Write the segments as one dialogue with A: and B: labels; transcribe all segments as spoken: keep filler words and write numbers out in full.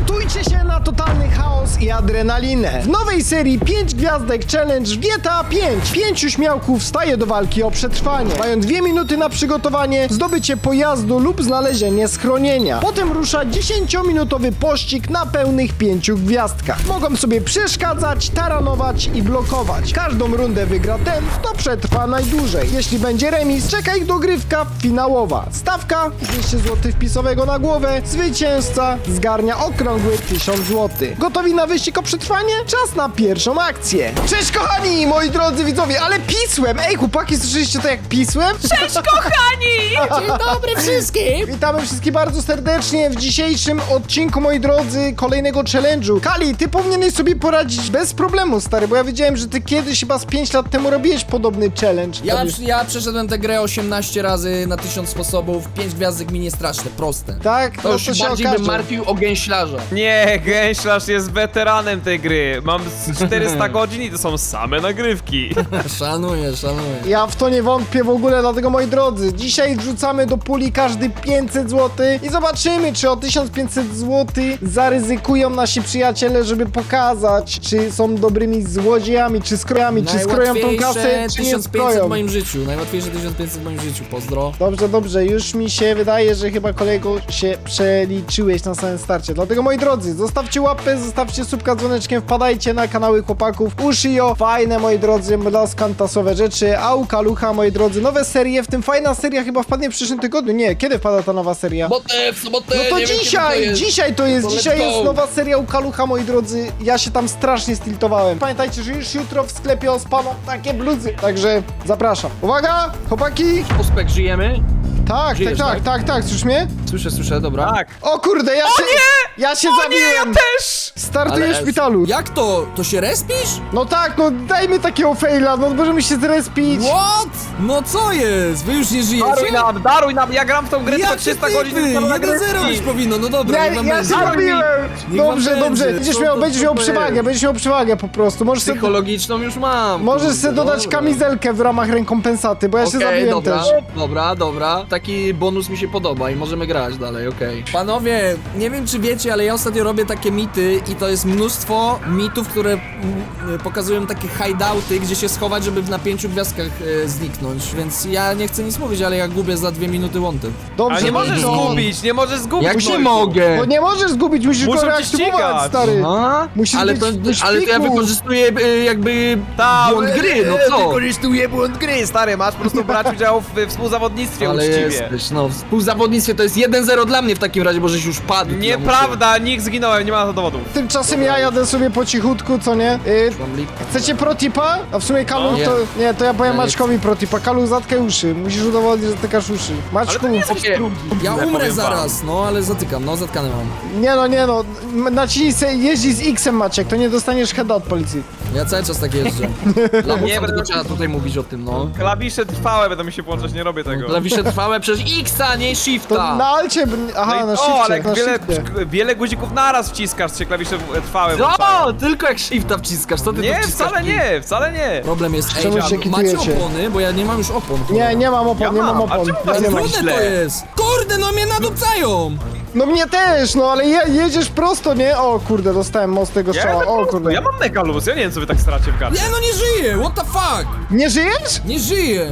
A: Przygotujcie się na totalny chaos i adrenalinę. W nowej serii pięć gwiazdek challenge w G T A pięć. Pięciu śmiałków staje do walki o przetrwanie. Mają dwie minuty na przygotowanie, zdobycie pojazdu lub znalezienie schronienia. Potem rusza dziesięciominutowy pościg na pełnych pięciu gwiazdkach. Mogą sobie przeszkadzać, taranować i blokować. Każdą rundę wygra ten, kto przetrwa najdłużej. Jeśli będzie remis, czeka ich dogrywka finałowa. Stawka dwieście złotych wpisowego na głowę. Zwycięzca zgarnia okrągły tysiąc złotych. Gotowi na wyścig o przetrwanie? Czas na pierwszą akcję. Cześć kochani, moi drodzy widzowie, ale pisłem! Ej chłopaki, słyszeliście to jak pisłem?
B: Cześć kochani!
C: Dzień dobry wszystkim!
A: Witamy wszystkich bardzo serdecznie w dzisiejszym odcinku, moi drodzy, kolejnego challenge'u. Kali, ty powinieneś sobie poradzić bez problemu, stary, bo ja wiedziałem, że ty kiedyś chyba z pięć lat temu robiłeś podobny challenge.
C: Ja,
A: Tobie-
C: ja przeszedłem tę grę osiemnaście razy na tysiąc sposobów, pięć gwiazdek mi nie straszne, proste.
A: Tak?
B: To już
A: się
B: bardziej
A: okaże.
B: bym martwił o gęślarza.
D: Nie, Gęślarz jest weteranem tej gry. Mam z czterysta godzin i to są same nagrywki.
C: Szanuję, szanuję.
A: Ja w to nie wątpię w ogóle, dlatego moi drodzy, dzisiaj wrzucamy do puli każdy pięćset złotych i zobaczymy, czy o tysiąc pięćset złotych zaryzykują nasi przyjaciele, żeby pokazać, czy są dobrymi złodziejami, czy skrojami, czy skroją tą kasę, czy nie
C: tysiąc pięćset
A: skroją.
C: w moim życiu, najłatwiejsze tysiąc pięćset w moim życiu, pozdro.
A: Dobrze, dobrze, już mi się wydaje, że chyba kolego się przeliczyłeś na samym starcie. Dlatego moi drodzy, zostawcie łapę, zostawcie subka z dzwoneczkiem, wpadajcie na kanały chłopaków Ushio. Fajne, moi drodzy, mlaskantasowe rzeczy, a u Kalucha, moi drodzy, nowe serie, w tym fajna seria chyba wpadnie w przyszłym tygodniu. Nie, kiedy wpada ta nowa seria?
B: Sobotę, w sobotę,
A: No to
B: nie wiem,
A: dzisiaj,
B: kiedy to jest.
A: dzisiaj to jest,
B: To let's
A: dzisiaj jest
B: go.
A: nowa seria u Kalucha, moi drodzy. Ja się tam strasznie stiltowałem. Pamiętajcie, że już jutro w sklepie ospaną takie bluzy. Także zapraszam. Uwaga, chłopaki!
B: Ospek, żyjemy?
A: Tak,
B: Żyjesz,
A: tak, tak,
B: tak?
A: tak, tak, słyszysz mnie?
B: Słyszę, słyszę, dobra.
D: Tak.
A: O kurde, ja się...
D: nie!
A: Ja się
D: O nie,
A: zabiłem!
D: ja też!
A: Startuję
B: Ale-
A: w szpitalu.
C: Jak to? To się respisz?
A: No tak, no dajmy takiego faila, no możemy się zrespić.
C: What? No co jest? Wy już nie
D: Daruj
C: żyjecie?
D: nam, daruj nam, ja gram w tą grę tylko
C: Jakie
D: trzysta
C: typy?
D: godzin. tylko na
C: jeden zero
D: nagrywki.
C: być powinno, no dobra,
A: Ja,
C: niech wam
A: ja się
C: będzie.
A: zabiłem!
C: Niech wam
A: Dobrze,
C: będzie.
A: dobrze, będziesz
C: To-
A: miał,
C: to
A: będziesz miał
C: super.
A: przewagę, będziesz miał przewagę po prostu. Możesz sobie,
B: Psychologiczną już mam.
A: możesz
B: kurde,
A: sobie dodać
B: dobra.
A: kamizelkę w ramach rekompensaty, bo ja się
B: Okej,
A: zabiłem
B: dobra,
A: też.
B: dobra, dobra. Taki bonus mi się podoba i możemy grać dalej, okej.
C: Panowie, nie wiem czy wiecie, ale ja ostatnio robię takie mity i to jest mnóstwo mitów, które mm, pokazują takie hideouty, gdzie się schować, żeby na pięciu gwiazdkach e, zniknąć, więc ja nie chcę nic mówić, ale ja gubię za dwie minuty łąty.
A: Dobrze,
D: Ale nie możesz
A: no.
D: zgubić, nie możesz zgubić.
B: Jak nie
D: Nojku.
B: mogę?
A: Bo nie możesz zgubić, musisz
D: Muszą
A: go
D: cię
A: reaktywować,
D: ścigać.
A: stary.
B: A?
A: Musisz
B: ale,
A: być
B: to,
A: w
B: ale to ja
A: szpiku.
B: wykorzystuję y, jakby
D: Ta,
B: błąd gry, no co?
D: Wykorzystuję błąd gry, stary, masz po prostu brać udział w współzawodnictwie
B: Ale
D: uczciwie.
B: jesteś, no w współzawodnictwie to jest jeden zero dla mnie w takim razie, bo żeś już padł.
D: Nieprawda, nikt zginąłem, nie ma na to dowodów.
A: Tymczasem ja jadę sobie po cichutku, co nie? Y,
B: Mam lipę.
A: chcecie protipa? A w sumie Kalu,
B: No.
A: to... Nie, to ja powiem
B: Ja nie
A: Maćkowi protipa. Kalu, zatkaj uszy. Musisz udowodnić, że zatykasz uszy. Maćku...
D: Ale to nie jest
B: Okej.
D: drugi.
C: Ja
D: powiem
C: umrę
D: wam.
C: zaraz, no ale zatykam, no zatkane mam.
A: Nie no, nie no. M- Naciśnij se, jeździ z X-em, Maciek, to nie dostaniesz heada od policji.
C: Ja cały czas tak jeżdżę.
B: Lamusa,
D: Nie,
B: tylko
D: będę-
B: trzeba tutaj mówić o tym, no.
D: Klawisze trwałe będą mi się włączać, nie robię tego.
B: Klawisze trwałe przez X-a, nie
A: To
B: Shifta.
A: na alcie... b- Aha,
D: No i-
A: na
D: o,
A: shifcie,
D: ale
A: na
D: jak wiele,
A: shifcie.
D: wiele guzików naraz wciskasz, się klawisze w- trwałe
B: No,
D: włączają.
B: tylko jak Shifta wciskasz, co ty tu
D: Nie,
B: wciskasz?
D: wcale nie, wcale nie.
C: Problem jest, ej,
A: Czemu
C: a
A: się
C: macie
A: kitujecie?
C: opony? Bo ja nie mam już opon.
A: Nie, nie mam opon,
D: Ja
A: nie mam
D: mam, a
A: opon.
D: czemu
A: Ja
D: was
A: nie
D: nie
A: mam.
D: ma?
C: Trudne to
D: źle.
C: jest! Kurde, no mnie nadupcają!
A: No mnie też, no ale je, jedziesz prosto, nie? O kurde, dostałem mocnego
D: Ja,
A: strzała,
D: jadę
A: o
D: prosto,
A: kurde.
D: ja mam mega luz, ja nie wiem co wy tak staracie w gardzie.
C: Ja no nie żyję! What the fuck?
A: Nie żyjesz?
C: Nie żyję!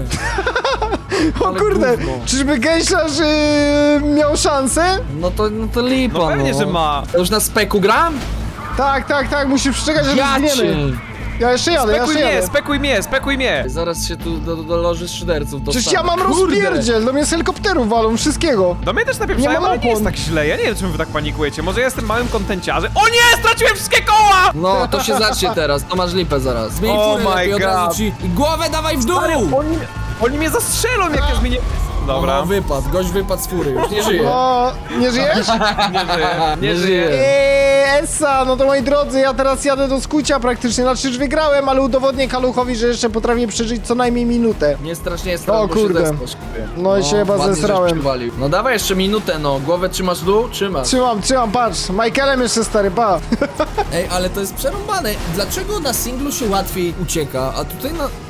A: O
B: Ale
A: kurde,
B: gówno.
A: czyżby gęślarz yy, miał szansę?
B: No to, no to lipa,
D: No pewnie, że ma.
B: To już na speku gram?
A: Tak, tak, tak, musisz przeczekać, że
B: Ja
A: zginiemy.
B: cię.
A: Ja jeszcze jadę, ja
D: Spekuj
A: jeszcze
D: mnie,
A: jadę.
D: spekuj mnie, spekuj mnie.
B: Zaraz się tu do, do loży szyderców dostanę.
A: Przecież ja mam
B: Kurde.
A: rozpierdziel, do mnie z helikopterów walą, wszystkiego.
D: Do mnie też
A: Nie
D: napieprzają,
A: mam
D: ale nie jest
A: opon.
D: tak źle. Ja nie wiem, czemu wy tak panikujecie. Może ja jestem małym kontenciarzem. O nie, straciłem wszystkie koła!
B: No, to się zacznie teraz, to masz lipę zaraz.
C: Zmień
D: Oh
C: furę
D: my
C: lepiej, od razu
D: God.
C: ci... I głowę dawaj w dół!
D: Oni, oni mnie zastrzelą, jak ja zmienię... Dobra,
C: No, wypadł, gość wypadł z fury, już nie żyje.
A: O, nie żyjesz?
D: nie żyję, nie
B: Nie
D: żyję.
B: żyję.
A: Eee, Essa, no to moi drodzy, ja teraz jadę do skucia praktycznie, znaczy już wygrałem, ale udowodnię Kaluchowi, że jeszcze potrafię przeżyć co najmniej minutę.
B: Nie strasznie jest
A: O
B: bo się
A: kurde.
B: zespasz, kupie.
A: No i się chyba
B: ładnie, żeś
A: zesrałem.
B: przywalił. No dawaj jeszcze minutę, no. Głowę trzymasz w dół? Trzymasz.
A: Trzymam, trzymam, patrz, Michaelem jeszcze stary, pa.
C: Ej, ale to jest przerąbane. Dlaczego na singlu się łatwiej ucieka, a tutaj na...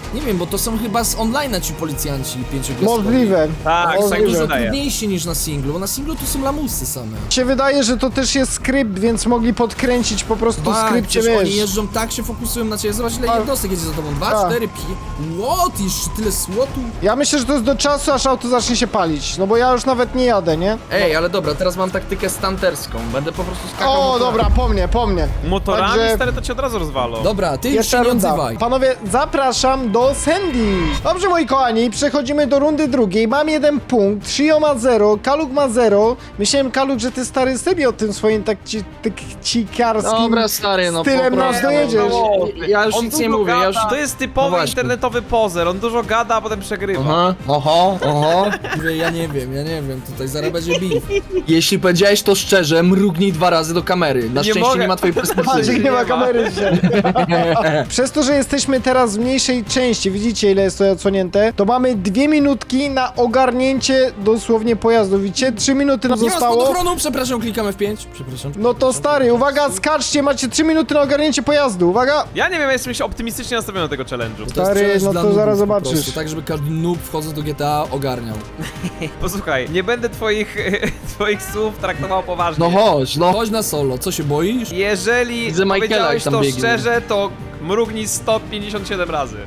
C: Nie wiem, bo to są chyba z online'a ci policjanci pięciogwiazdkowi.
A: Możliwe.
D: Tak,
C: Są
D: tak
A: Możliwe.
D: mi się
C: dużo
D: wydaje.
C: trudniejsi niż na singlu, bo na singlu to są lamusy same.
A: Się wydaje, że to też jest skrypt, więc mogli podkręcić po prostu
C: Ba,
A: skrypcie,
C: przecież oni
A: wiesz.
C: jeżdżą tak, się fokusują na ciebie. Zobacz ile
A: A.
C: jednostek jedzie za tobą. Dwa,
A: A.
C: cztery, pi. What? Jeszcze tyle słotu?
A: Ja myślę, że to jest do czasu, aż auto zacznie się palić. No bo ja już nawet nie jadę, nie?
B: Ej, ale dobra, teraz mam taktykę stanterską. Będę po prostu skakał
A: O,
B: motorem.
A: dobra, po mnie, po mnie.
D: Motorami,
A: Także-
D: stary, to cię od razu rozwalą.
C: Dobra, ty już
A: Jeszcze
C: się nie
A: runda.
C: odzywaj.
A: Panowie, zapraszam do Sandy. Dobrze, moi kochani, przechodzimy do rundy drugiej. Mam jeden punkt, Shio ma zero, Kaluk ma zero. Myślałem, Kaluk, że ty stary sobie o tym swoim tak ci, tak cikarskim
B: Dobra, stary, no
A: stylem
B: po
A: nas
B: prostu.
A: dojedziesz.
B: No, ja już
D: On
B: nic nie
D: dużo
B: mówię, ja już...
D: gada. To jest typowy
B: No właśnie.
D: internetowy pozer, on dużo gada, a potem przegrywa.
B: Aha, oho, oho.
C: Mówię, Ja nie wiem, ja nie wiem, tutaj zaraz będzie beef.
B: Jeśli powiedziałeś to szczerze, mrugnij dwa razy do kamery. Na
D: Nie
B: szczęście
D: mogę.
B: nie ma twojej
A: Patrz,
B: perspektywy.
A: nie ma
D: ma.
A: kamery dzisiaj. Przez to, że jesteśmy teraz w mniejszej części, widzicie ile jest to odsłonięte, to mamy dwie minutki na ogarnięcie dosłownie pojazdu. Widzicie? Trzy minuty nam
C: Nie ma
A: zostało.
C: spadochronu, przepraszam, klikamy w pięć. Przepraszam.
A: No to stary, uwaga, skaczcie, macie trzy minuty na ogarnięcie pojazdu, uwaga!
D: Ja nie wiem, ja jestem się optymistycznie nastawiony do tego challenge'u.
C: To jest
A: Stary,
C: challenge
A: no
C: dla
A: to
C: noobów
A: zaraz
C: po
A: zobaczysz.
C: prostu, tak, żeby każdy noob wchodząc do G T A ogarniał.
D: Posłuchaj, nie będę twoich, twoich słów traktował poważnie.
B: No chodź, no.
C: Chodź na solo, co się boisz?
D: Jeżeli
B: Widzę Michaela,
D: powiedziałeś
B: jak tam
D: to
B: biegnie.
D: szczerze, to mrugnij sto pięćdziesiąt siedem razy.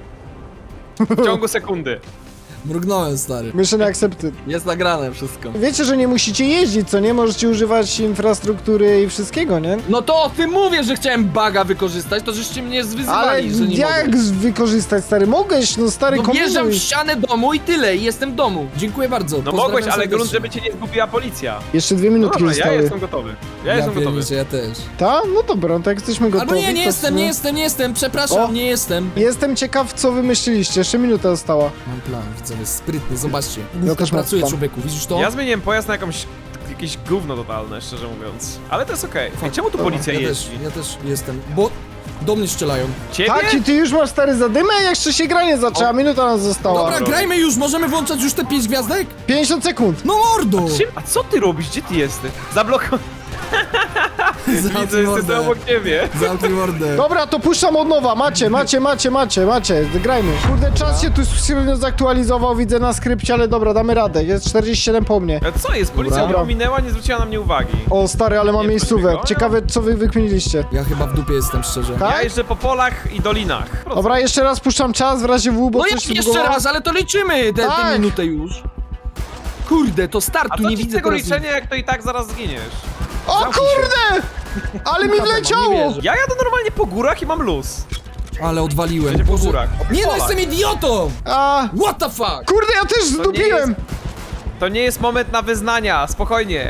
D: W ciągu sekundy.
C: Mrugnąłem, stary.
A: Mission accepted.
B: Jest nagrane wszystko.
A: Wiecie, że nie musicie jeździć, co nie? Możecie używać infrastruktury i wszystkiego, nie?
B: No to o tym mówię, że chciałem baga wykorzystać, to żeście mnie
A: Ale
B: zwyzywali, że nie
A: jak
B: mogę.
A: z- wykorzystać, stary? Mogłeś, no stary,
B: No wjeżdżam w
A: kombinuj.
B: ścianę domu i tyle, i jestem w domu.
C: Dziękuję bardzo.
D: No
C: pozdrawiam
D: mogłeś, ale
C: serdecznie.
D: grunt, żeby cię nie zgubiła policja.
A: Jeszcze dwie
D: No
A: minutki
D: dobra, ja
A: zostały.
D: jestem gotowy. Ja, jestem gotowy.
C: pierniczę, ja też.
A: Ta? No dobra, tak jesteśmy gotowi.
C: Albo nie, nie
A: to
C: jestem,
A: w-
C: nie jestem, nie jestem, przepraszam,
A: O.
C: nie jestem.
A: Jestem ciekaw, co wymyśliliście. Jeszcze minuta została.
C: Mam plan, widzowie, sprytny, zobaczcie.
A: Ja
C: Główka
A: też mam
C: pracuje,
A: plan.
C: człowieku, widzisz to?
D: Ja zmieniłem pojazd na jakąś, jakieś gówno totalne, szczerze mówiąc. Ale to jest okej. Ej, czemu tu
A: Dobra,
D: policja
C: ja też,
D: jeździ?
C: ja też jestem, bo do mnie strzelają.
D: Ciebie?
A: Tak, i ty już masz stary zadymę? Jeszcze się granie zaczęła, minuta nam została.
C: Dobra, grajmy już, możemy włączać już te pięć gwiazdek?
A: pięćdziesiąt sekund.
C: No mordo!
D: Czym? A co ty robisz? Gdzie ty jesteś? Zablokowany. Widzę,
C: Zamknij
D: jestem tu
C: mordę.
D: obok ciebie.
C: Zamknij mordę.
A: Dobra, to puszczam od nowa. Macie, macie, macie, macie, macie. Grajmy. Kurde, czas się tu średnio zaktualizował, widzę na skrypcie, ale dobra, damy radę. Jest czterdzieści siedem po mnie.
D: A co jest? Policja
A: Dobra.
D: mnie ominęła, nie zwróciła na mnie uwagi.
A: O, stary, ale mam
D: Nie,
A: miejscówek.
D: proszę,
A: Ciekawe, co wy wykminiliście.
C: Ja chyba w dupie jestem, szczerze.
A: Tak?
D: Ja jeżdżę po polach i dolinach.
A: Dobra, jeszcze raz puszczam czas w razie W, bo
B: No
A: coś
B: jak
A: się
B: jeszcze
A: zbugowało.
B: raz, ale to liczymy tę
A: Tak.
B: tę minutę już. Kurde, to
D: A
B: startu,
D: co
B: nie
D: ci z
B: widzę
D: tego
B: teraz.
D: liczenia, jak to i tak zaraz zginiesz?
A: O
D: Zamknij się.
A: kurde! Ale mi wleciało!
B: nie wierzę.
D: Ja jadę normalnie po górach i mam luz.
C: Ale odwaliłem.
D: Jedzie po
C: Boże.
D: górach. Po
C: Nie no,
D: polach.
C: jestem idiotą!
A: A,
C: What the fuck?
A: kurde, ja też
D: nie
A: zdupiłem!
D: To nie jest moment na wyznania, spokojnie.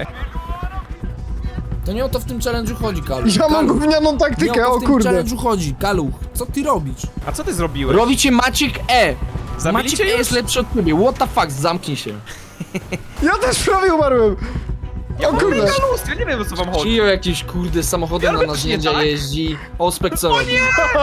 C: To nie o to w tym challenge'u chodzi, Kaluch.
A: Ja mam
C: Kaluch.
A: gównianą
C: Nie o
A: taktykę,
C: to
A: o
C: w tym
A: kurde.
C: challenge'u chodzi, Kaluch. Co ty robisz?
D: A co ty zrobiłeś?
B: Robicie Maciek E.
D: Zabiliście
B: Maciek E
D: już?
B: jest lepszy od ciebie, what the fuck, zamknij się.
A: Ja też prawie umarłem.
D: Ja
A: O
D: mam
A: kurde.
D: mega luz, ja nie wiem o co wam chodzi.
B: Cijo jakiś kurde samochodem
D: Ja
B: na
D: robię
B: narzędzia
D: nie tak?
B: jeździ. Ospek co robi?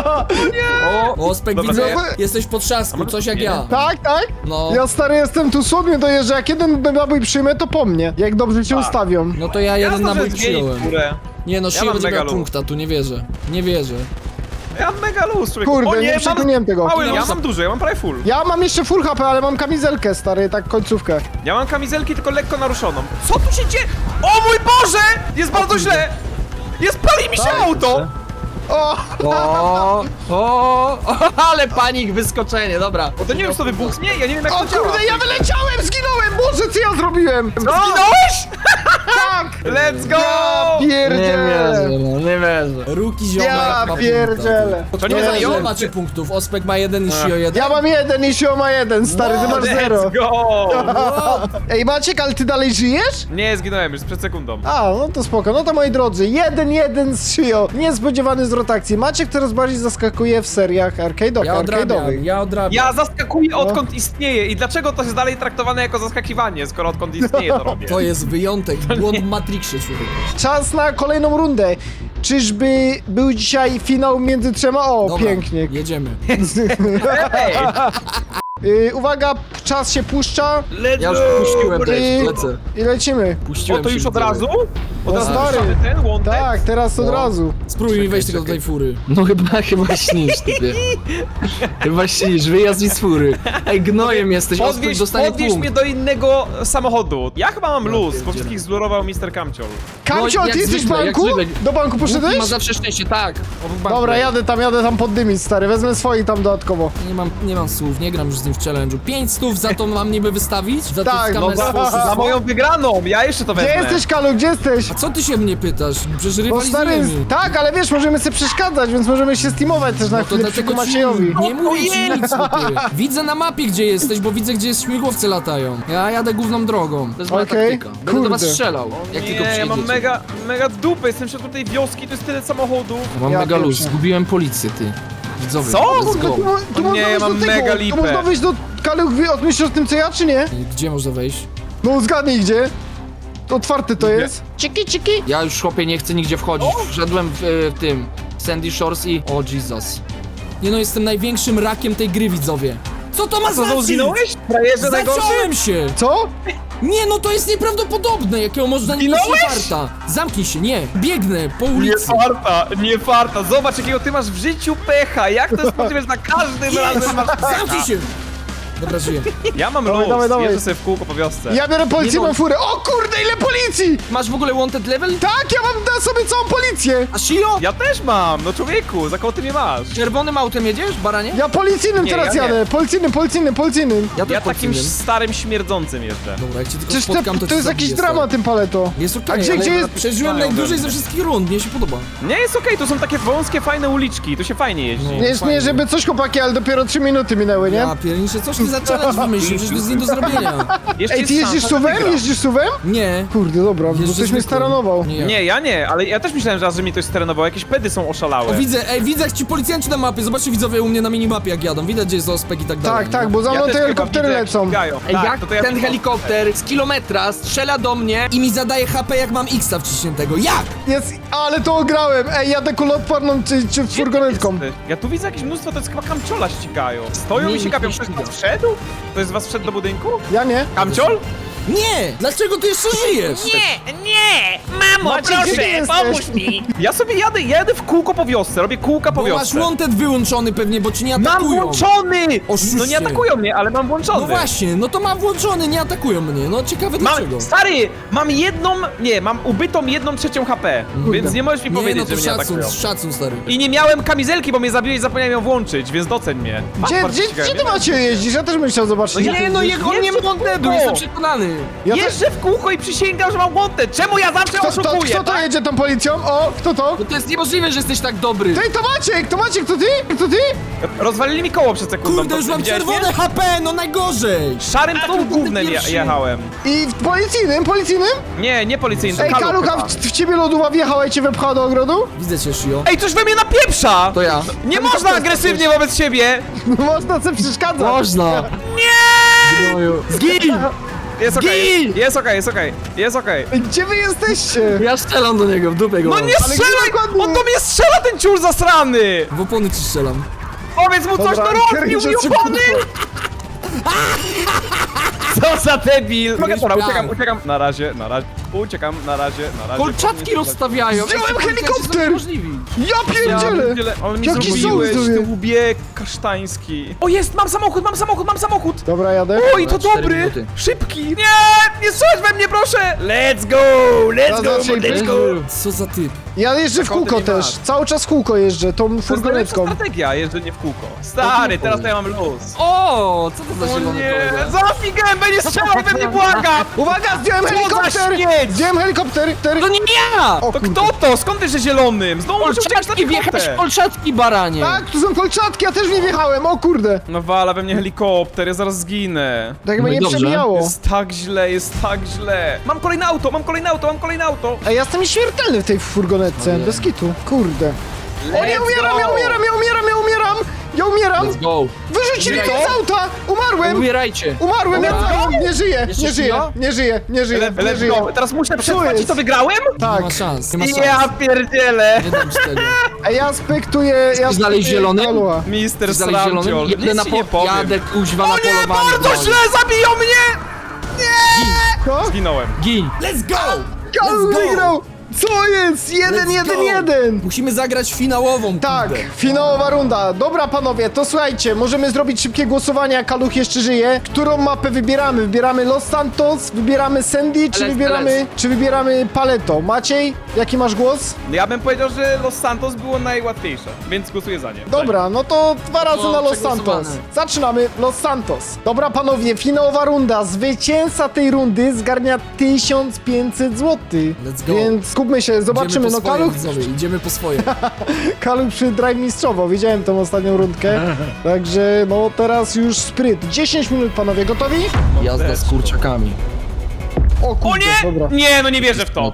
B: O,
C: Ospek,
D: Dobra,
C: widzę,
D: to
A: ja-
C: jesteś pod trzasku, coś jak ja.
A: Tak, tak?
C: No.
A: Ja stary jestem tu słodny dojeżdża, jak jeden nabój przyjmę, to po mnie. Jak dobrze cię
D: Tak.
A: ustawią.
C: No to ja jeden
D: Jasno,
C: nabój
D: że zmieni
C: przyjąłem.
D: górę.
C: Nie no,
D: Ja
C: siła
D: mam
C: będzie
D: mega
C: miała
D: luz.
C: punkta, tu nie wierzę. Nie wierzę.
D: Ja mam mega luz, człowieku.
A: Kurde,
D: o,
A: nie
D: nie,
A: przekminiłem tego.
D: Mały, ja
C: luz.
D: mam duży, ja mam prawie full.
A: Ja mam jeszcze full H P, ale mam kamizelkę, stary, tak końcówkę.
D: Ja mam kamizelki tylko lekko naruszoną. Co tu się dzieje? O mój Boże! Jest bardzo źle! Jest, pali mi się
A: Tak.
D: auto!
A: O!
B: o, o, ale panik, wyskoczenie, dobra.
D: Bo to nie wiem, co wybuchnie, ja nie wiem jak
A: O
D: to działa.
A: kurde, ja wyleciałem, zginąłem! Boże, co ja zrobiłem?
D: Zginąłeś?
A: Tak!
D: Let's go!
A: Ja
B: Nie
A: pierdzielę!
B: wierzę, no, nie wierzę.
C: Ruki ziomek
A: Ja
C: ma
A: pierdzielę!
D: To nie
C: Nie,
D: zabiją?
C: ile macie punktów? Ospek ma jeden i Shio jeden.
A: Ja mam jeden i Sio ma jeden, stary, ty
C: Wow,
A: masz zero.
D: Let's go!
A: Ej, Maciek, ale ty dalej żyjesz?
D: Nie, zginąłem już przed sekundą.
A: A, no to spoko. No to moi drodzy, jeden jeden z Shio. Niespodziewany zwrot akcji. Maciek coraz bardziej zaskakuje w seriach arcade'owych.
C: Ja odrabiam,
A: arcade'owych.
C: ja odrabiam.
D: Ja zaskakuję
A: No.
D: odkąd istnieje i dlaczego to jest dalej traktowane jako zaskakiwanie, skoro odkąd istnieje to robię.
C: To jest wyjątek, błąd w Matrixie, człowieku.
A: Czas na kolejną rundę. Czyżby był dzisiaj finał między trzema? O,
C: Dobra,
A: pięknie.
C: jedziemy.
D: Ej,
A: Yy, uwaga, czas się puszcza
D: let's
B: Ja już
D: go!
B: puściłem
A: I-
B: też, lecę.
A: i lecimy.
D: O,
B: Puściłem
D: to
B: się,
D: już od
B: widzowie.
D: razu? Od
A: No
D: razu
A: stary.
D: puszczamy ten łątek?
A: Tak. tak, teraz od
C: No.
A: razu.
C: Spróbuj mi wejść tylko do tej fury.
B: No chyba, chyba śnisz, typie. Chyba śnisz, wyjazd mi z fury. Ej, gnojem jesteś, Ospek
D: Podwieź,
B: dostanie
D: podwieź
B: punkt.
D: mnie do innego samochodu. Ja chyba mam luz, bo
C: pierdzielę.
D: wszystkich zlurował mister Kamciol.
A: Kamcio,
B: No,
A: ty
B: jak
A: jesteś w
B: zwykle, jak
A: banku?
B: zwykle.
A: Do banku
B: Bóg
A: poszedłeś?
B: ma zawsze szczęście, tak. On w banku
A: Dobra,
B: jest.
A: jadę tam, jadę tam poddymić, stary. Wezmę swoich tam dodatkowo.
C: Nie mam, nie mam słów, nie gram już z nim w challenge'u. Pięć stów za to mam niby wystawić? Za
A: Tak,
C: to
A: no
C: no,
A: za-
D: Za moją wygraną, ja jeszcze to
A: Gdzie
D: wezmę.
A: jesteś, Kalu, gdzie jesteś?
C: A co ty się mnie pytasz? Przecież
A: Bo stary,
C: rywalizujemy.
A: tak, ale wiesz, możemy sobie przeszkadzać, więc możemy się steamować też na
C: No to
A: chwilę przy
C: dlatego ci
A: Maciejowi.
C: nie mówię ci nic, chłopie. Widzę na mapie, gdzie jesteś, bo widzę, gdzie śmigłowce latają. Ja jadę główną drogą.
B: To jest moja
A: Okej,
B: taktyka. Będę do was
A: kurde.
B: strzelał, jak tylko
D: Nie, ja mam
B: przyjedziecie.
D: mega, mega dupę, jestem w środku tej wioski, to jest tyle samochodów.
B: Mam
A: Ja
B: mega luz,
A: pierwszy.
B: zgubiłem policję, ty. Widzowie,
D: Co?
B: let's
A: Kurde,
B: go.
A: tu, mo- tu
D: O
A: można
D: nie,
A: wejść
D: mam
A: do tego,
D: mega
A: tu
D: lipę.
A: można wejść do... Kalu, wy odmyślisz o tym, co ja, czy nie?
C: Gdzie można wejść?
A: No zgadnij gdzie. Otwarte to jest. Ciki, ciki.
B: Ja już, chłopie, nie chcę nigdzie wchodzić. Wszedłem w, e, w tym Sandy Shores i... O, Jesus.
C: Nie no, jestem największym rakiem tej gry, widzowie. Co to ma
D: Co,
C: znaczyć?
D: zginąłeś? Frajerze najgorszy?
C: Zaciąłem się!
A: Co?
C: Nie no, to jest nieprawdopodobne, jakiego można nie mieć
D: Zginąłeś?
C: farta. Zamknij się, nie, biegnę po
D: Nie
C: ulicy.
D: farta, nie farta. Zobacz, jakiego ty masz w życiu pecha. Jak to jest możliwe, że za każdym razem masz pecha?
C: Zamknij się! Dobra, żyję.
D: Ja mam
A: Dawaj,
D: luz,
A: dawaj, dawaj.
D: jeżdżę sobie w kółko po wiosce.
A: Ja biorę policyjną
B: Nie no.
A: furę. O kurde, ile policji!
B: Masz w ogóle wanted level?
A: Tak, ja mam na sobie całą policję.
B: A Shio?
D: Ja też mam, no człowieku, za koło ty mnie masz.
B: Czerwonym autem jedziesz, baranie?
A: Ja policyjnym
D: Nie,
A: teraz
D: ja nie.
A: jadę. Policyjnym, policyjnym, policyjnym.
B: Ja też
D: Ja takim
B: podciniem.
D: starym śmierdzącym jeżdżę.
C: Dobra, jak cię tylko
A: Przecież to,
C: spotkam, to
A: to
C: cię
A: jest jakiś
C: zabiję,
A: dramat,
C: stary.
A: tym paleto.
C: Jest okej,
A: A gdzie-
C: ale
A: gdzie jest-
C: przeżyłem
D: Znają
C: najdłużej
D: we
C: ze
D: mnie.
C: wszystkich rund, mnie się podoba.
D: Nie, jest okej, to są takie wąskie, fajne uliczki, tu się fajnie jeździ.
C: No.
A: Nie, jest, nie, żeby coś chłopaki, ale dopiero trzy minuty minęły, nie?
C: Ja pierniczę, coś ty za challenge wymyślił, przecież to jest nie do zrobienia.
D: Jeszcze
A: Ej,
D: jest
A: ty jeździsz
D: szansa, że
A: suwem?
D: wygram.
A: Jeździsz suwem?
C: Nie.
A: Kurde, dobra, bo
C: Jeżdżę
A: ktoś mnie
C: zwykłym.
A: staranował.
C: Nie, ja.
D: Nie, ja nie, ale ja też myślałem, że raz, że mi ktoś sterenował, jakieś pedy są oszalałe.
C: O, widzę, ej, widzę jak ci policjanci na mapie, zobaczcie widzowie u mnie na minimapie jak jadą, widać gdzie jest ospek i tak dalej.
A: Tak, tak,
C: nie?
A: bo za
D: Ja
A: mną
D: też
A: te
D: chyba
A: helikoptery
D: widzę, jak
A: lecą.
D: ścigają.
B: Ej,
D: Tak,
B: jak
D: to to ja
B: ten
D: widzę.
B: helikopter z kilometra strzela do mnie
C: I mi zadaje H P jak mam X-a wciśniętego, jak?
A: Jest, ale to ograłem. Ej, jadę kuloodporną czy, czy
D: Gdzie
A: furgonetką.
D: ty jesteś? Ja tu widzę jakieś mnóstwo, to jest chyba kamciola ścigają. Stoją
C: Nie,
D: i się
C: nikt
D: kapią,
C: nie
D: ktoś
C: ściga.
D: was wszedł? Ktoś z was wszedł do budynku?
A: Ja nie.
D: Kamciol?
C: Nie! Dlaczego ty jeszcze żyjesz?
E: Nie, nie! Mamo,
A: Maciek, gdzie ty
E: proszę,
A: jesteś?
E: pomóż mi!
D: Ja sobie jadę, jadę w kółko po wiosce, robię kółka po
C: Bo masz
D: wiosce.
C: wanted wyłączony pewnie, bo ci nie
D: Mam
C: atakują.
D: włączony!
C: Oszuście.
D: No nie atakują mnie, ale mam włączony.
C: No właśnie, no to mam włączony, nie atakują mnie, no ciekawe dlaczego.
D: Mam, stary, mam jedną, nie, mam ubytą jedną trzecią H P, więc nie możesz mi
C: Nie, no
D: powiedzieć,
C: to
D: że mnie
C: szacun,
D: atakują.
C: szacun stary.
D: I nie miałem kamizelki, bo mnie zabiłeś i zapomniałem ją włączyć, więc doceń mnie.
A: Gdzie,
D: Patrz,
A: gdzie,
D: ścigałem.
A: gdzie ty macie jeździsz? Ja też bym chciał zobaczyć.
D: No
A: gdzie
D: ja-
A: ty
B: Nie no,
A: jeździsz.
B: jak on nie ma
D: Jeżdżę w
B: wantedu,
D: kółko.
B: jestem przekonany.
A: Ja też-
D: Jeżdżę w kółko i przysięgam, że mam wanted. Czemu ja zawsze
A: Kto, kto,
D: oszukuję,
A: kto to
D: tak?
A: jedzie tą policją? O, kto to?
B: No to jest niemożliwe, że jesteś tak dobry.
A: Ty, to Maciek, to Maciek, to ty? To ty?
D: Rozwalili mi koło przed sekundą.
C: Kurde,
D: to
C: już mam
D: widziałeś mnie?
C: czerwone H P, no najgorzej!
D: Szarym
B: A,
D: tą
B: to
D: gównem je,
B: pierwszy.
D: jechałem.
A: I w policyjnym, policyjnym?
D: Nie, nie policyjny, to
A: Ej,
D: Kaluch
A: Kalucha,
D: chyba.
A: w, w ciebie lodówa wjechała i cię wepchała do ogrodu?
C: Widzę cię, Shio.
D: Ej, coś we mnie napieprza!
B: To ja.
D: Nie można agresywnie wobec siebie!
A: No można sobie przeszkadzać.
B: Można.
D: Nie!
B: Zgin!
D: Jest okej,
B: Zgin!
D: jest okej, jest okej, jest okej.
A: Ej, gdzie wy jesteście?
B: Ja strzelam do niego, w dupę go
D: No
B: mam.
D: nie
A: Ale
D: strzelaj!
A: gdzie dokładnie?
D: On do mnie strzela, ten ciur zasrany!
C: W opony ci strzelam.
D: Powiedz mu coś,
A: Dobra,
D: to rozbił
A: kręcę
D: mi
A: cię,
D: opony! Co za debil! Mogę
C: Mieliśmy
D: pora,
C: plan.
D: uciekam, uciekam. Na razie, na razie. Uciekam, na razie, na razie.
B: Kolczatki rozstawiają.
A: Wziąłem
B: Jak ci policjanci
A: helikopter!
B: są niemożliwi.
A: Ja pierdzielę!
D: pierdzielę. On mi
A: Jaki
D: zrobiłeś,
A: sołtys
D: ty
A: sobie.
D: łbie kasztański. O jest, mam samochód, mam samochód, mam samochód!
A: Dobra, jadę.
D: Oj, to
B: Dobra, cztery
D: dobry!
B: minuty.
D: Szybki! Nie! Nie strzelać we mnie, proszę! Let's go! Let's go,
A: Zaznaczaj
D: let's go!
C: Co za typ?
A: Ja jeżdżę w
D: Skąd ty
A: kółko
D: nie
A: też.
D: masz?
A: Cały czas w kółko jeżdżę, tą
D: To jest najlepsza
A: furgonetką.
D: strategia, jeżdżenie w kółko. Stary, teraz to ja mam luz.
B: O, co to za
D: O
B: zielony
D: nie,
B: kolega?
D: zaraz mi gębę nie strzelał we mnie, błagam!
A: Uwaga, zdjąłem
D: Co za
A: helikopter!
D: śmieć!
A: Zdjąłem helikopter! Ter...
B: To nie ja!
A: O
D: To
A: kurde.
D: kto to? Skąd ty, że zielonym? Znowu muszę uciekać na
B: Kolczatki, wjechałeś w
D: piechotę.
B: kolczatki, baranie.
A: Tak, tu są kolczatki, ja też w nie wjechałem, o kurde.
D: No wala we mnie helikopter, ja zaraz zginę.
A: Tak
B: No
A: mnie
B: i
A: nie
B: dobrze.
A: przebijało.
D: Jest tak źle, jest tak źle. Mam kolejne auto, mam kolejne auto, mam kolejne auto.
A: Ej, ja jestem nieśmiertelny w tej furgonetce, bez kitu. Kurde. O, ja
D: Let's
A: umieram,
D: go.
A: ja umieram, ja umieram, ja umieram! Ja umieram!
B: Let's go.
A: Wyrzucili mnie
D: Umieraj.
A: z auta! Umarłem!
B: Umierajcie.
A: Umarłem, ja
B: Dobra.
A: nie żyję,
B: Jeszcze
A: nie żyję,
B: żyje?
A: nie żyję, nie żyję,
D: Le-
A: nie
D: Let's
A: żyję.
D: go. Teraz muszę przetrwać i
A: jest?
D: to wygrałem?
A: Tak.
C: Nie ma szans, nie ma szans.
D: Ja pierdzielę.
C: Nie dam ci tego.
A: Ej, ja spektuję, ja
B: znaleźć
A: spektuję
B: zielonym?
A: Kalucha.
D: Mister
B: Dalej zielonym.
D: Sramciol,
B: Jadę na
D: nic ci nie
B: po...
D: powiem.
B: Jadę kuźwa na
D: O nie,
B: polowanie.
D: bardzo
B: broń.
D: źle, zabiją mnie!
A: Co?
D: Zginąłem.
B: Gin.
C: Let's go!
A: Kaluch
C: Let's go!
A: wygrał! Co jest? Jeden,
C: Let's
A: jeden,
C: go.
A: jeden!
C: Musimy zagrać finałową,
A: Tak,
C: kurde.
A: finałowa runda. Dobra, panowie, to słuchajcie, możemy zrobić szybkie głosowanie, jak Kaluch jeszcze żyje. Którą mapę wybieramy? Wybieramy Los Santos, wybieramy Sandy, czy
B: Lecz,
A: wybieramy,
B: lecz.
A: czy wybieramy Paleto? Maciej, jaki masz głos?
D: Ja bym powiedział, że Los Santos było najłatwiejsze, więc głosuję za nie.
A: Dobra, no to dwa razy
B: No,
A: na Los
B: przegłosowane.
A: Santos. Zaczynamy Los Santos. Dobra, panowie, finałowa runda. Zwycięzca tej rundy zgarnia tysiąc pięćset złotych.
C: Let's go.
A: Więc skupmy się, zobaczymy.
C: Idziemy
A: No
C: po swoje,
A: Kaluch,
C: widzowie, idziemy po swoje.
A: Kaluch przy drive mistrzowo. Widziałem tą ostatnią rundkę. Także no teraz już spryt. dziesięć minut, panowie, gotowi?
B: Jazda z kurczakami.
A: O
D: O
A: kurde,
D: nie!
A: dobra.
D: Nie, no nie wierzę w to.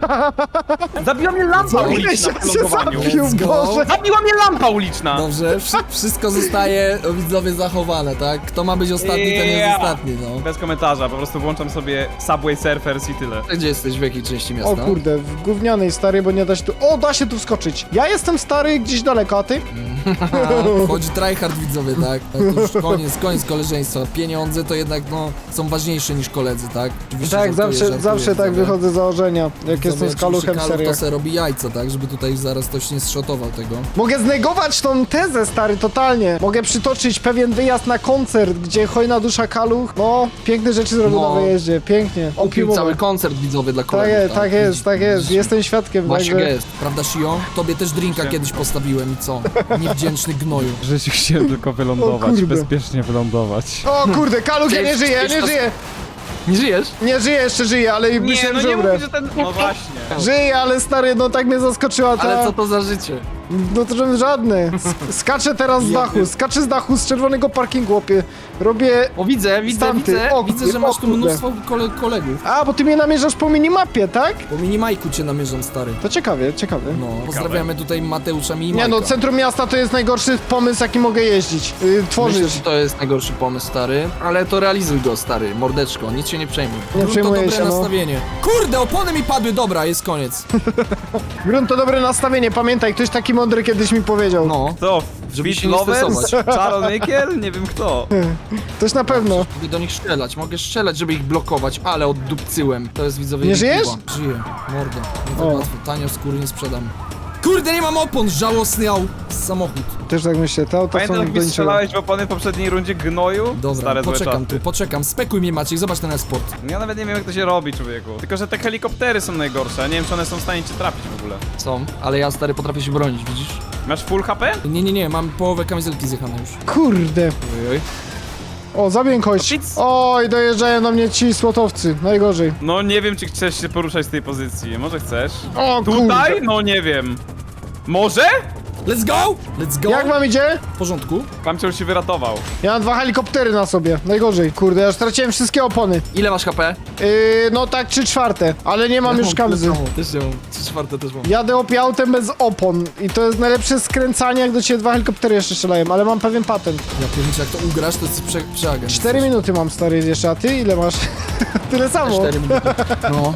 D: Zabiła mnie lampa
A: Ile
D: uliczna
A: się
D: w lądowaniu.
A: zabił,
C: Let's go.
A: Boże.
D: Zabiła mnie lampa uliczna.
C: Dobrze, wszy- wszystko zostaje, o, widzowie, zachowane, tak? Kto ma być ostatni, ten jest
D: Yeah.
C: ostatni, no.
D: Bez komentarza, po prostu włączam sobie Subway Surfers i tyle.
B: Gdzie jesteś, w jakiej części
A: O
B: miasta?
A: kurde, w gównianej stary, bo nie da się tu... O, da się tu wskoczyć. Ja jestem stary gdzieś daleko, a ty?
C: Wchodzi tryhard, widzowie, tak? Tak, to już koniec, koniec koleżeństwa. Pieniądze to jednak, no, są ważniejsze niż koledzy, tak? Oczywiście
A: Tak,
C: żartuję,
A: zawsze,
C: żartuję,
A: zawsze tak
C: widzowie.
A: wychodzę z założenia, jak
C: Widzowie,
A: jestem z
C: oczywiście
A: Kaluchem w
C: Kaluch to
A: seriach.
C: se robi jajca, tak? Żeby tutaj zaraz ktoś nie zszotował tego.
A: Mogę znegować tą tezę, stary, totalnie. Mogę przytoczyć pewien wyjazd na koncert, gdzie hojna dusza Kaluch, no, piękne rzeczy zrobił
B: No.
A: na wyjeździe, pięknie.
B: Kupił
A: Opimowe.
B: cały koncert widzowie dla
A: Tak
B: kolegów.
A: jest, tak jest, tak jest, jestem świadkiem,
B: Właśnie
A: także...
B: jest.
C: Prawda, Sio? Tobie też drinka kiedyś postawiłem i co? Niewdzięczny gnoju.
F: W życiu chciałem tylko wylądować,
A: kurde.
F: bezpiecznie wylądować.
A: O kurde, Kaluch, ja nie
B: Cześć,
A: żyję, ja
B: cześć,
A: nie
B: to-
A: żyję!
B: Nie żyjesz?
A: Nie żyję, jeszcze żyję, ale
D: Nie,
A: myślałem,
D: no
A: że
D: nie
A: umrę.
D: mówię, że ten... No właśnie.
A: Żyję, ale stary, no tak mnie zaskoczyła ta...
B: Ale co to za życie?
A: No to żaden żadne. Sk- Skaczę teraz z dachu, skaczę z dachu z czerwonego parkingu, łopie. Robię...
B: O, widzę, widzę,
A: Stamty.
B: widzę.
A: O,
C: Widzę, że
A: o
C: masz tu
A: kurde.
C: mnóstwo kole kolegów.
A: A, bo ty mnie namierzasz po minimapie, tak?
C: Po minimajku cię namierzam, stary.
A: To ciekawie, ciekawie.
C: No, pozdrawiamy tutaj Mateusza
A: Nie
C: Minimajka.
A: no, centrum miasta to jest najgorszy pomysł, jaki mogę jeździć, yy, tworzyć.
B: Myślę, że to jest najgorszy pomysł, stary. Ale to realizuj go, stary. Mordeczko, nic się nie przejmuj.
A: Nie
C: Grunt to
A: przejmuję
C: dobre
A: się, no.
C: nastawienie. Kurde, opony mi padły, dobra, jest koniec.
A: Grunt to dobre nastawienie, pamiętaj, ktoś taki mądry kiedyś mi powiedział.
B: No,
D: Co?
B: Żeby
D: Beat
B: się nie
D: Lovers?
B: stresować.
D: Czaronykiel? Nie wiem kto.
A: Ktoś na pewno.
B: mogę do nich strzelać, mogę strzelać, żeby ich blokować, ale oddupcyłem. To jest widzowie
A: Nie
B: ich
A: żyjesz?
B: piła.
C: Żyję, mordo. Nie
A: O.
C: tak łatwo, tanio skóry nie sprzedam. Kurde, nie mam opon, żałosny au. Samochód.
A: Też tak myślę, te auta
D: Pamiętasz
A: są
D: jak
A: do
D: mi
A: niczego.
D: strzelałeś w opony w poprzedniej rundzie gnoju?
C: Dobra,
D: Stare złe
C: poczekam
D: czasy.
C: tu, poczekam. Spekuj mnie, Maciek, zobacz ten esport.
D: Ja nawet nie wiem jak to się robi, człowieku. Tylko, że te helikoptery są najgorsze, a nie wiem czy one są w stanie cię trafić w ogóle.
B: Są, ale ja, stary, potrafię się bronić, widzisz?
D: Masz full H P?
C: Nie, nie, nie, mam połowę kamizelki zjechane już.
A: Kurde.
B: Ojoj.
A: O, zabiję kość.
D: No nic.
A: Oj, dojeżdżają do mnie ci słotowcy, najgorzej.
D: No nie wiem czy chcesz się poruszać z tej pozycji, może chcesz?
A: O kurde.
D: Tutaj? No nie wiem. Może?
C: Let's go! Let's go!
A: Jak wam idzie?
C: W porządku?
D: Kamciol się wyratował.
A: Ja mam dwa helikoptery na sobie, najgorzej. Kurde, ja straciłem wszystkie opony.
B: Ile masz H P?
A: Yy, no tak, trzy czwarte, ale nie mam
B: Ja
A: już kamzy.
B: tyle samo, Też nie mam. Trzy czwarte też mam.
A: Jadę opie autem bez opon i to jest najlepsze skręcanie, jak do ciebie dwa helikoptery jeszcze strzelają, ale mam pewien patent.
C: Ja pierniczę, jak to ugrasz, to jest prze, przeagent.
A: Cztery minuty mam, stary, jeszcze, a ty ile masz? Tyle samo.
B: Cztery minuty. No.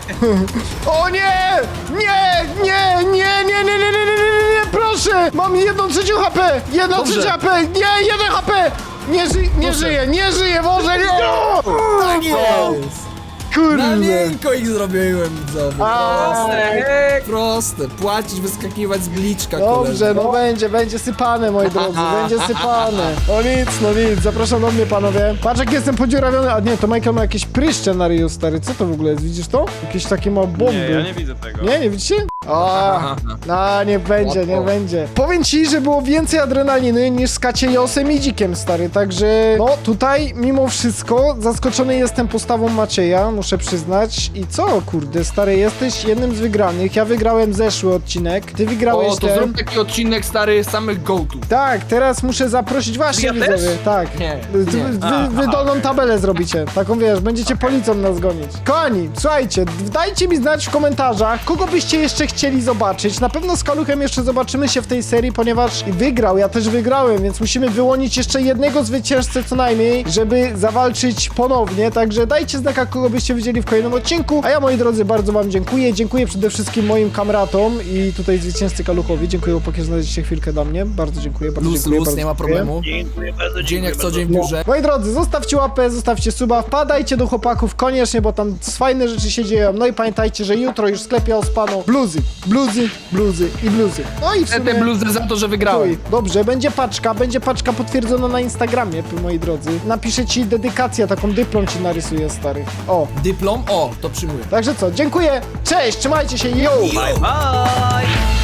A: O nie! Nie! Nie! Nie! Nie! Nie! Nie! Nie! Nie! Nie! Nie! Nie! Proszę! Mam jedną trzecią H P! Jedną
B: Dobrze.
A: trzecią H P! Nie! Jeden H P! Nie, ży nie żyję! Nie żyję! Boże! Nie!
C: Tak jest! Na
A: Kurde!
C: miękko ich zrobiłem, widzowie.
A: A,
C: Proste, płacić, wyskakiwać z bliczka,
A: Dobrze,
C: koleżko.
A: no będzie, będzie sypane, moi drodzy, będzie sypane. No nic, no nic, zapraszam do mnie, panowie. Patrz, jak jestem podziurawiony, a nie, to Michael ma jakieś pryszcze na ryju, stary, co to w ogóle jest, widzisz to? Jakieś takie ma bomby.
D: Nie, ja nie widzę tego.
A: Nie, nie widzicie? O, no nie będzie, nie
B: Łatwo.
A: będzie. Powiem ci, że było więcej adrenaliny niż z Kaciejosem i Dzikiem, stary, także no tutaj mimo wszystko zaskoczony jestem postawą Macieja, muszę przyznać. I co, kurde, stary, jesteś jednym z wygranych, ja wygrałem zeszły odcinek, ty wygrałeś
B: O, to
A: ten.
B: zrób taki odcinek, stary, samych go-to.
A: Tak, teraz muszę zaprosić właśnie
D: Ja
A: widzowie,
D: też?
A: tak.
B: Nie,
A: Wy,
B: nie.
A: wy,
D: A,
A: wy
D: aha,
A: dolną
D: okej.
A: tabelę zrobicie, taką wiesz, będziecie policją nas gonić. Kochani, słuchajcie, dajcie mi znać w komentarzach, kogo byście jeszcze chcieli chcieli zobaczyć. Na pewno z Kaluchem jeszcze zobaczymy się w tej serii, ponieważ wygrał, ja też wygrałem, więc musimy wyłonić jeszcze jednego zwycięzcę co najmniej, żeby zawalczyć ponownie, także dajcie znaka, kogo byście widzieli w kolejnym odcinku, a ja, moi drodzy, bardzo wam dziękuję. Dziękuję przede wszystkim moim kamratom i tutaj zwycięzcy Kaluchowi. Dziękuję, chłopaki, że znaleźliście chwilkę dla mnie. Bardzo dziękuję, bardzo
C: Luz,
A: dziękuję.
C: luz,
A: bardzo
C: nie ma
A: dziękuję.
C: problemu. Dzień jak co dzień w biurze.
A: Moi drodzy, zostawcie łapę, zostawcie suba, wpadajcie do chłopaków koniecznie, bo tam fajne rzeczy się dzieją. No i pamiętajcie, że jutro już w sklepie Ospano bluzy, bluzy, bluzy i bluzy. No i w
B: Te
A: sumie...
B: bluzy za to, że wygrałem.
A: Uj, dobrze, będzie paczka, będzie paczka potwierdzona na Instagramie, moi drodzy. Napiszę ci dedykację, taką dyplom ci narysuję, stary. O,
C: Dyplom? O, to przyjmuję.
A: także co, dziękuję, cześć, trzymajcie się, yo!
D: Bye bye!